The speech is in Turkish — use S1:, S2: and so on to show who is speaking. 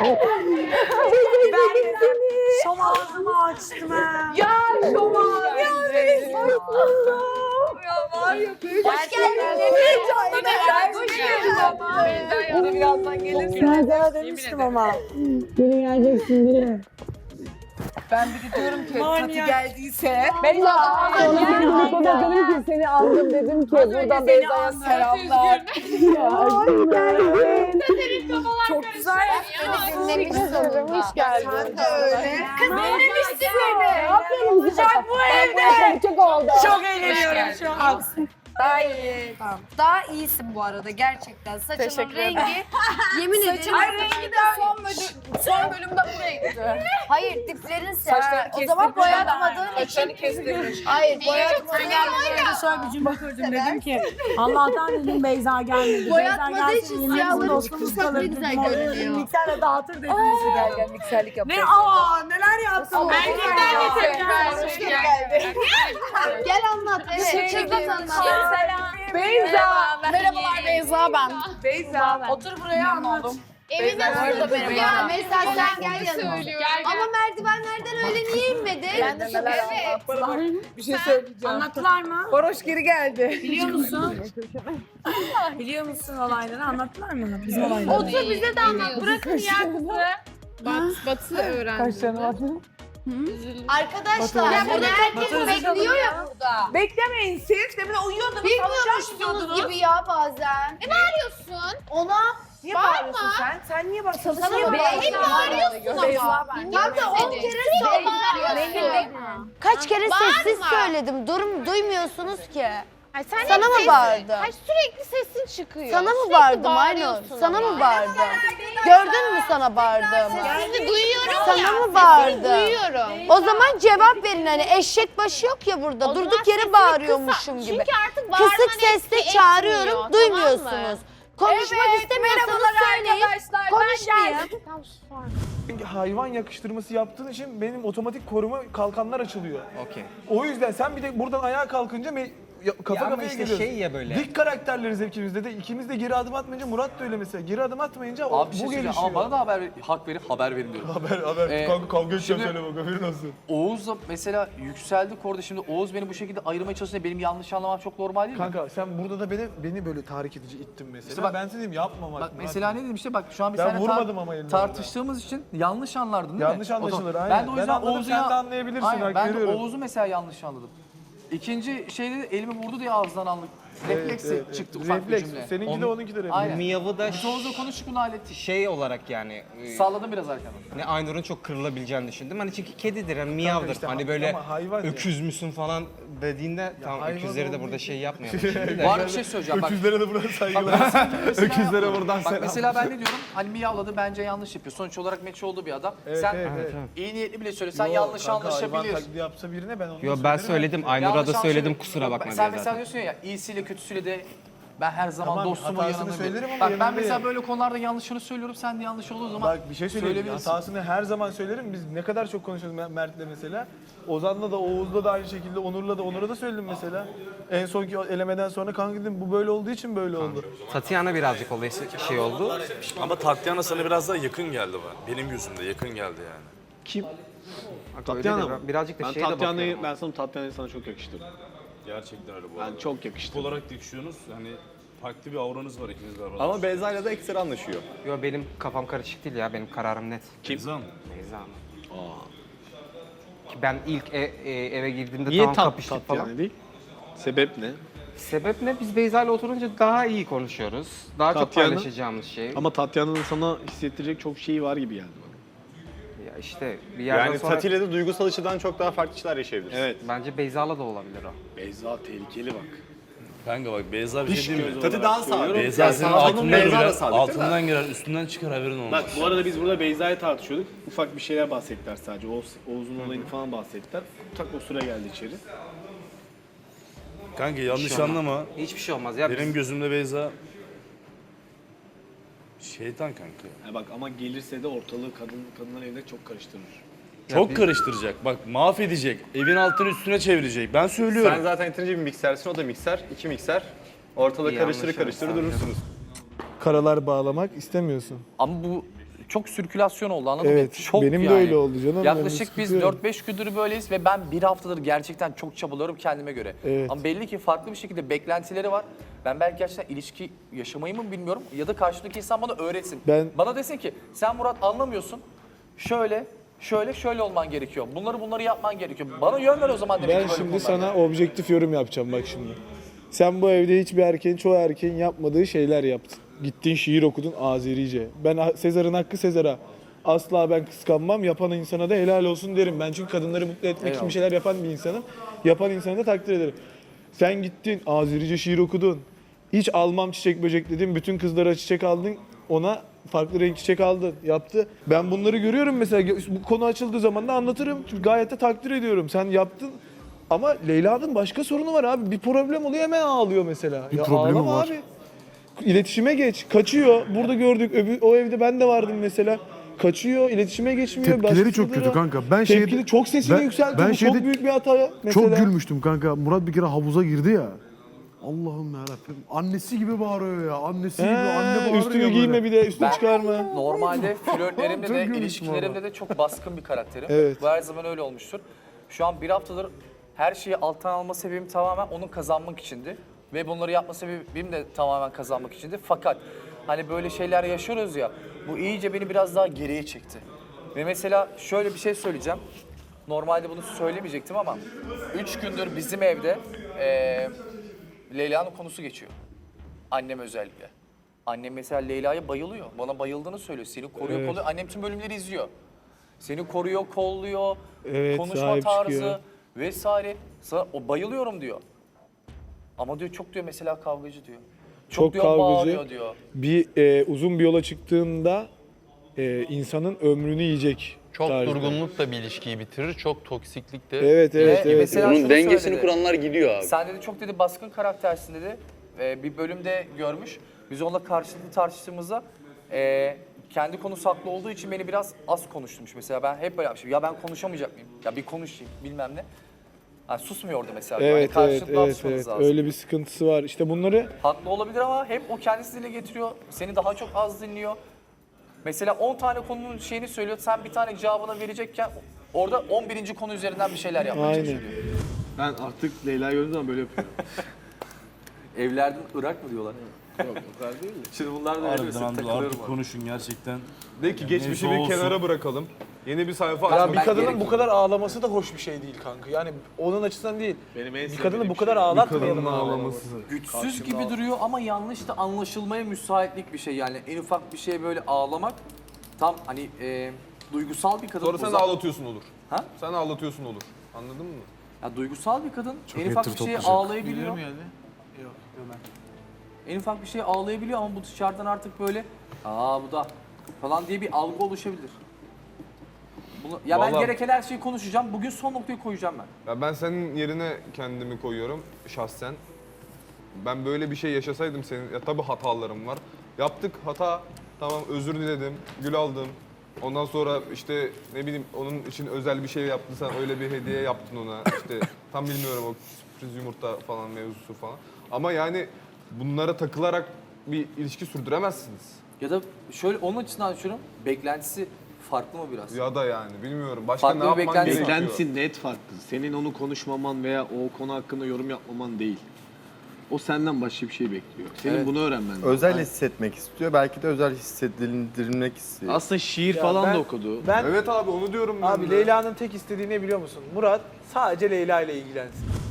S1: Şom ağzımı açtım ha.
S2: Ya Şoma.
S1: Ya var ya böyle.
S2: Hoş geldin.
S1: Beyza'ya da birazdan gelirsin. Beyza'ya demiştim ama. Biri geleceksin biri. Ben bir de diyorum ki Tati geldiyse.
S2: Beyza.
S1: Ona dedim ki seni aldım dedim ki buradan Beyza'ya selamlar. Hoş geldin. Çok güzel.
S2: Hoş geldin.
S1: Sen de öyle.
S2: Kız dinlemişti beni.
S1: Ne yapıyorsun sıcak bu evde? Çok oldu. Çok eğleniyorum şu an.
S2: Daha iyi. Tamam. Daha iyisin bu arada gerçekten. Saçının
S1: Teşekkür
S2: rengi yemin ederim.
S1: Ay rengi de son bölümde buraya gitti.
S2: Hayır diplerin
S1: Saçlarını
S2: o zaman boyatmadığın için.
S1: Saçlarını kestirmiş.
S2: Hayır boyatmadığın
S1: Ben şöyle bir cümle kurdum dedim ki Allah'tan dedim Beyza gelmedi.
S2: Boyatmadığı
S1: Beyza
S2: için
S1: gelsin
S2: siyahları
S1: dostumuz
S2: çıkırsak
S1: kalır
S2: ne güzel
S1: dedim.
S2: görünüyor.
S1: Mikserle dağıtır dedim.
S2: Gel mikserlik
S1: Ne neler yaptın?
S2: Gel anlat. Evet. Çıkart anlat.
S1: Beyza.
S3: Merhabalar Beyza ben.
S1: Beyza. Otur buraya anlat.
S3: Evine
S1: Beyza,
S3: nasıl
S1: Beyza.
S2: Ya mesela sen gel yanıma.
S3: söylüyor.
S2: Ama merdivenlerden öyle niye inmedin?
S3: Ben de neler anlattım.
S1: Bir şey söyleyeceğim.
S4: Anlattılar mı?
S1: Varoş geri geldi.
S4: Biliyor musun? Biliyor musun olayları? Anlattılar mı? Bizim olayları.
S3: Otur bize de anlat. Bırakın ya kızı. Batı öğrendim.
S1: Kaşlarını batırın.
S2: Arkadaşlar bunu herkes bekliyor ya burada.
S1: Beklemeyin siz. Demin uyuyordunuz.
S2: Bilmiyormuşsunuz gibi ya bazen.
S3: Bağırıyorsun.
S2: Ona
S1: Niye
S3: Bağırma.
S1: bağırıyorsun sen? Sen niye bağırıyorsun?
S2: Sana
S1: Niye
S2: mı
S1: bağırıyorsun?
S2: bağırıyorsun ama? Tam da 10 kere bağırıyorsun. Kaç kere sessiz
S3: Bağırma.
S2: söyledim. Duymuyorsunuz ki.
S3: Ay, sen
S2: Sana
S3: hep
S2: mı
S3: sesin.
S2: bağırdım?
S3: Ay, sürekli sesin çıkıyor.
S2: Sana mı
S3: Sürekli
S2: bağırdım Aynur?
S3: bağırıyorsun
S2: Sana
S3: ama.
S2: mı bağırdım? Gördün mü sana bağırdığımı?
S3: Sesini duyuyorum
S2: Sana
S3: ya.
S2: mı
S3: Sesini
S2: bağırdım?
S3: duyuyorum.
S2: O zaman cevap verin hani eşek başı yok ya burada.
S3: O zaman
S2: Durduk yere
S3: sesini
S2: bağırıyormuşum
S3: kısa.
S2: gibi.
S3: Çünkü artık bağırman
S2: Kısık sesle
S3: etki
S2: çağırıyorum,
S3: etmiyor, tamam
S2: duymuyorsunuz.
S3: mı?
S2: Konuşmak istemiyorsanız söyleyin. Konuşmayın.
S5: Hayvan yakıştırması yaptığın için benim otomatik koruma kalkanlar açılıyor.
S6: Okey.
S5: O yüzden sen bir de buradan ayağa kalkınca kafa
S6: Ya ama
S5: kafaya
S6: işte
S5: geliyoruz.
S6: şey ya böyle.
S5: Dik karakterleriz ikimiz de. İkimiz de geri adım atmayınca Murat da öyle mesela. Geri adım atmayınca
S7: Abi bir şey
S5: bu
S7: söyleyeceğim
S5: gelişiyor.
S7: ama bana da hak verin, haber verin diyorum.
S5: Haber. Kanka kavga edeceğim
S7: şimdi-
S5: söyle bak haberin olsun.
S7: Oğuz'la mesela yükseldik orada şimdi Oğuz beni bu şekilde ayırmaya çalışınca benim yanlış anlamam çok normal değil mi?
S5: Kanka sen burada da beni böyle tahrik edici ittin mesela.
S7: İşte bak-
S5: ben size diyeyim yapma
S7: Bak
S5: Murat.
S7: mesela ne dedim işte bak şu an biz
S5: Ben
S7: seninle
S5: vurmadım ama elimden
S7: tartıştığımız için yanlış anlardın değil mi?
S5: Yanlış
S7: O zaman-
S5: anlaşılır, aynen.
S7: Ben de o
S5: Ben
S7: yüzden
S5: anladım,
S7: Oğuz'u
S5: sen de anlayabilirsin,
S7: Aynen,
S5: hak
S7: ben de
S5: veriyorum.
S7: Oğuz'u mesela yanlış anladım. İkinci şeyde de elimi vurdu diye ağızdan aldık. Refleksi çıktı ufak
S5: Refleks.
S7: bir cümle.
S5: Seninki de onunki de refleks.
S7: Aynen.
S6: Miyavı da
S7: Biz Oğuz'la konuştuk bunu hallettik.
S6: şey olarak yani
S7: Salladım biraz arkadan.
S6: hani Aynur'un çok kırılabileceğini düşündüm. Hani çünkü kedidir, hani miyavdır.
S5: işte
S6: hani
S5: ama
S6: böyle
S5: hayvan ya.
S6: öküz müsün falan dediğinde tamam
S5: hayvan
S6: öküzleri de
S5: olduğu
S6: burada
S5: için-
S6: şey yapmayalım şimdi de.
S7: Var bir şey söyleyeceğim bak.
S5: Öküzlere de buradan saygılar.
S7: Mesela
S5: Öküzlere
S7: yapma.
S5: buradan
S7: Bak
S5: selam.
S7: mesela ben ne diyorum? Hani miyavladı bence yanlış yapıyor. Sonuç olarak meçi olduğu bir adam. Sen iyi niyetli bile söylesen yanlış
S5: Hayvan
S7: anlaşabilir.
S5: taklidi yapsa birine ben onu
S6: Yo ben
S5: söylerim.
S6: söyledim, Aynur'a
S7: Yanlış
S6: da söyledim
S7: anlaşılır.
S6: kusura bakma
S7: Sen
S6: diye
S7: mesela
S6: zaten.
S7: diyorsun ya iyisiyle kötüsüyle de ben her zaman
S5: Tamam,
S7: dostumun
S5: hatasını
S7: yanındayım.
S5: söylerim ama
S7: Bak ben
S5: yanındayım.
S7: mesela böyle konularda yanlışını söylüyorum. Sen de yanlış olduğu zaman
S5: Bak bir şey söyleyeyim.
S7: söyleyebilirsin.
S5: Hatasını her zaman söylerim. Biz ne kadar çok konuşuyoruz Mert'le mesela. Ozan'la da Oğuz'la da aynı şekilde Onur'a da söyledim mesela. En sonki elemeden sonra kanka dedim bu böyle olduğu için böyle oldu.
S6: Tatiana birazcık olayı şey oldu.
S8: Ama Tatyana sana biraz daha yakın geldi bana. Benim gözümde yakın geldi yani.
S9: Kim?
S6: Bak,
S9: Tatyana
S6: öyle de
S9: mı?
S6: birazcık da
S9: Ben
S6: şeye de
S9: Tatya'nı
S6: bakıyorum.
S9: Tatya'nı sana çok yakıştırdım.
S8: Gerçekten öyle bu
S9: Ben
S8: arada.
S9: çok yakıştırdım.
S8: Tip olarak yakışıyorsunuz. Hani farklı bir auranız var ikiniz de.
S9: Ama Beyza'yla da ekstra anlaşıyor.
S6: Yo benim kafam karışık değil ya, benim kararım net.
S8: Kim?
S6: Beyza mı? Ki ben ilk eve girdiğimde
S9: Niye
S6: tamam kapıştık falan.
S9: Tatyana değil? Sebep ne?
S6: Sebep ne? Biz Beyza ile oturunca daha iyi konuşuyoruz. Daha çok
S9: Tatyana-
S6: paylaşacağımız şey.
S9: Ama Tatya'nın sana hissettirecek çok şeyi var gibi geldi bana.
S6: Ya işte bir yerden sonra
S10: Tati ile de duygusal açıdan çok daha farklı şeyler yaşayabiliriz.
S9: Evet.
S6: bence Beyza'la da olabilir o.
S9: Beyza tehlikeli bak.
S8: Kanka bak Beyza bir şey değil mi?
S10: Tati daha sağ.
S8: Beyza senin
S10: Sağ olun,
S8: altından
S10: Beyza da
S8: girer,
S10: sadıktır
S8: altından girer, üstünden çıkar haberin olmaz.
S9: Bak bu arada biz burada Beyza'yı tartışıyorduk. Ufak bir şeyler bahsettiler sadece. Oğuz'un olayını falan bahsettiler. Tak o sıra geldi içeri.
S8: Kanka yanlış
S6: şey olmaz.
S8: anlama.
S6: Hiçbir şey olmaz ya.
S8: Benim gözümde Beyza şeytan kanka.
S9: Ha bak ama gelirse de ortalığı kadınlar evde çok karıştırır.
S8: Çok karıştıracak. Bak mahvedecek. Evin altını üstüne çevirecek. Ben söylüyorum.
S10: Sen zaten yeterince bir miksersin, o da mikser, iki mikser. Ortalığı
S6: İyi
S10: karıştırır
S6: anlaşırız
S10: karıştırır
S6: sanki.
S10: durursunuz.
S5: Karalar bağlamak istemiyorsun.
S7: Ama bu çok sirkülasyon oldu, anladın mı?
S5: Evet,
S7: Çok
S5: benim de
S7: yani.
S5: öyle oldu canım. Ben
S7: Yaklaşık biz
S5: sıkılıyorum.
S7: 4-5 gündür böyleyiz ve ben bir haftadır gerçekten çok çabalıyorum kendime göre.
S5: Evet.
S7: Ama belli ki farklı bir şekilde beklentileri var. Ben belki gerçekten ilişki yaşamayı mı bilmiyorum ya da karşımdaki insan bana öğretsin. Bana desin ki sen Murat anlamıyorsun. Şöyle olman gerekiyor. Bunları yapman gerekiyor. Bana yön ver o zaman demek
S5: Ben
S7: ki böyle
S5: şimdi
S7: konularda.
S5: sana objektif yorum yapacağım bak şimdi. Sen bu evde hiçbir erkeğin, çoğu erkeğin yapmadığı şeyler yaptın. Gittin şiir okudun Azerice. Ben Sezar'ın hakkı Sezar'a. Asla ben kıskanmam. Yapan insana da helal olsun derim. Ben çünkü kadınları mutlu etmek için bir şeyler yapan bir insanım. Yapan insanı da takdir ederim. Sen gittin Azerice şiir okudun. Hiç almam çiçek böcek dedin. Bütün kızlara çiçek aldın. Ona farklı renk çiçek aldın. Yaptı. Ben bunları görüyorum mesela. Bu konu açıldığı zaman da anlatırım. Gayet de takdir ediyorum. Sen yaptın. Ama Leyla'nın başka sorunu var abi. Bir problem oluyor hemen ağlıyor mesela.
S11: Bir
S5: ya
S11: problemi
S5: ağlama
S11: var.
S5: abi. İletişime geç. Kaçıyor. Burada gördük. O evde ben de vardım mesela. Kaçıyor, iletişime geçmiyor.
S11: Tepkileri
S5: başka
S11: çok kötü
S5: şeylere-
S11: kanka. Ben
S5: Tepkili, çok sesini yükseltiyor. Bu çok büyük bir hata mesela.
S11: Çok gülmüştüm kanka. Murat bir kere havuza girdi ya. Allah'ım yarabbim. Annesi gibi bağırıyor ya. Annesi gibi anne bağırıyor
S5: Üstünü
S11: ya
S5: giyme
S11: böyle.
S5: bir de, üstünü
S7: Ben-
S5: çıkarma.
S7: Normalde flörtlerimde
S11: Çok
S7: de,
S11: gülmüştüm
S7: ilişkilerimde de çok baskın bir karakterim.
S5: Evet.
S7: Bu her zaman öyle olmuştur. Şu an bir haftadır her şeyi alttan alma sebebim tamamen onun kazanmak içindi. Ve bunları yapma sebebim de tamamen kazanmak içindi. Fakat hani böyle şeyler yaşıyoruz ya, bu iyice beni biraz daha geriye çekti. Ve mesela şöyle bir şey söyleyeceğim. Normalde bunu söylemeyecektim ama 3 gündür bizim evde Leyla'nın konusu geçiyor. Annem özellikle. Annem mesela Leyla'ya bayılıyor. Bana bayıldığını söylüyor. Seni koruyor, kolluyor. Annem tüm bölümleri izliyor. Seni koruyor, kolluyor,
S5: Evet,
S7: konuşma
S5: sahip
S7: tarzı
S5: çıkıyor.
S7: vesaire. Sana, o bayılıyorum diyor. Ama diyor çok diyor mesela kavgacı diyor.
S5: Çok
S7: diyor
S5: kavgacı.
S7: bağırıyor diyor.
S5: Uzun bir yola çıktığında insanın ömrünü yiyecek.
S12: Çok
S5: tarzda.
S12: durgunluk da bir ilişkiyi bitirir, çok toksiklik de.
S5: Evet.
S7: Mesela
S10: Onun
S7: şunu
S10: dengesini
S7: söyledi.
S10: kuranlar gidiyor abi.
S7: Sen dedi çok dedi baskın karaktersin dedi. Bir bölümde görmüş. Biz onunla karşılıklı tartıştığımızda kendi konusu haklı olduğu için beni biraz az konuşturmuş. Mesela ben hep böyle yapmışım. Ya ben konuşamayacak mıyım? Ya bir konuşayım bilmem ne. Yani susmuyordu mesela. Yani
S5: Evet.
S7: karşılıklı atışmanız lazım.
S5: Öyle bir sıkıntısı var. İşte bunları
S7: Haklı olabilir ama hep o kendisi dile getiriyor. Seni daha çok az dinliyor. Mesela 10 tane konunun şeyini söylüyor. Sen bir tane cevabını verecekken orada 11. konu üzerinden bir şeyler yapmaya
S5: Aynen.
S7: çalışıyor.
S9: Ben artık Leyla'yı gördüğüm zaman böyle yapıyorum.
S7: Evlerden Irak mı diyorlar?
S9: Yok o kadar değil de.
S7: Şimdi bunlar da
S8: Harbiden abi artık konuşun gerçekten.
S5: de ki
S8: geçmişi bir kenara
S5: bırakalım. Yeni bir sayfa
S7: Ya
S5: açalım.
S7: bir kadının bu
S5: kadar ağlaması da hoş bir şey değil kanka. Yani onun açısından değil.
S9: Benim en
S5: Bir kadını bu kadar
S9: şey.
S5: ağlatmayalım.
S7: güçsüz gibi duruyor ama yanlış da anlaşılmaya müsaitlik bir şey. Yani en ufak bir şeye böyle ağlamak tam hani duygusal bir kadın.
S5: Sonra sen ağlatıyorsun olur.
S7: Ha?
S5: Sen ağlatıyorsun olur. Anladın mı?
S7: Ya duygusal bir kadın en ufak bir şeye ağlayabiliyor. En ufak bir şeye ağlayabiliyor ama bu dışarıdan artık böyle bu da falan diye bir algı oluşabilir. Ben
S5: Vallahi-
S7: gereken her şeyi konuşacağım. Bugün son noktayı koyacağım ben.
S5: Ya ben senin yerine kendimi koyuyorum şahsen. Ben böyle bir şey yaşasaydım senin, ya tabii hatalarım var. Yaptık hata, tamam özür diledim, gül aldım. Ondan sonra işte ne bileyim onun için özel bir şey yaptın sen, öyle bir hediye yaptın ona. İşte tam bilmiyorum o sürpriz yumurta falan mevzusu falan. Ama yani bunlara takılarak bir ilişki sürdüremezsiniz.
S7: Ya da şöyle onun açısından düşünüyorum. Beklentisi farklı mı biraz?
S5: Ya da yani bilmiyorum. Başka
S7: Farklı
S5: ne
S7: bir
S5: yapman
S7: beklentisi
S5: gerekiyor?
S9: Beklentisi net farklı. Senin onu konuşmaman veya o konu hakkında yorum yapmaman değil. O senden başka bir şey bekliyor. Senin
S7: Evet.
S9: bunu öğrenmen lazım.
S10: Özel hissetmek istiyor. Belki de özel hissettirilmek istiyor.
S9: Aslında şiir falan da okudu.
S5: Evet abi onu diyorum ben de.
S1: Leyla'nın tek istediği ne biliyor musun? Murat sadece Leyla ile ilgilensin.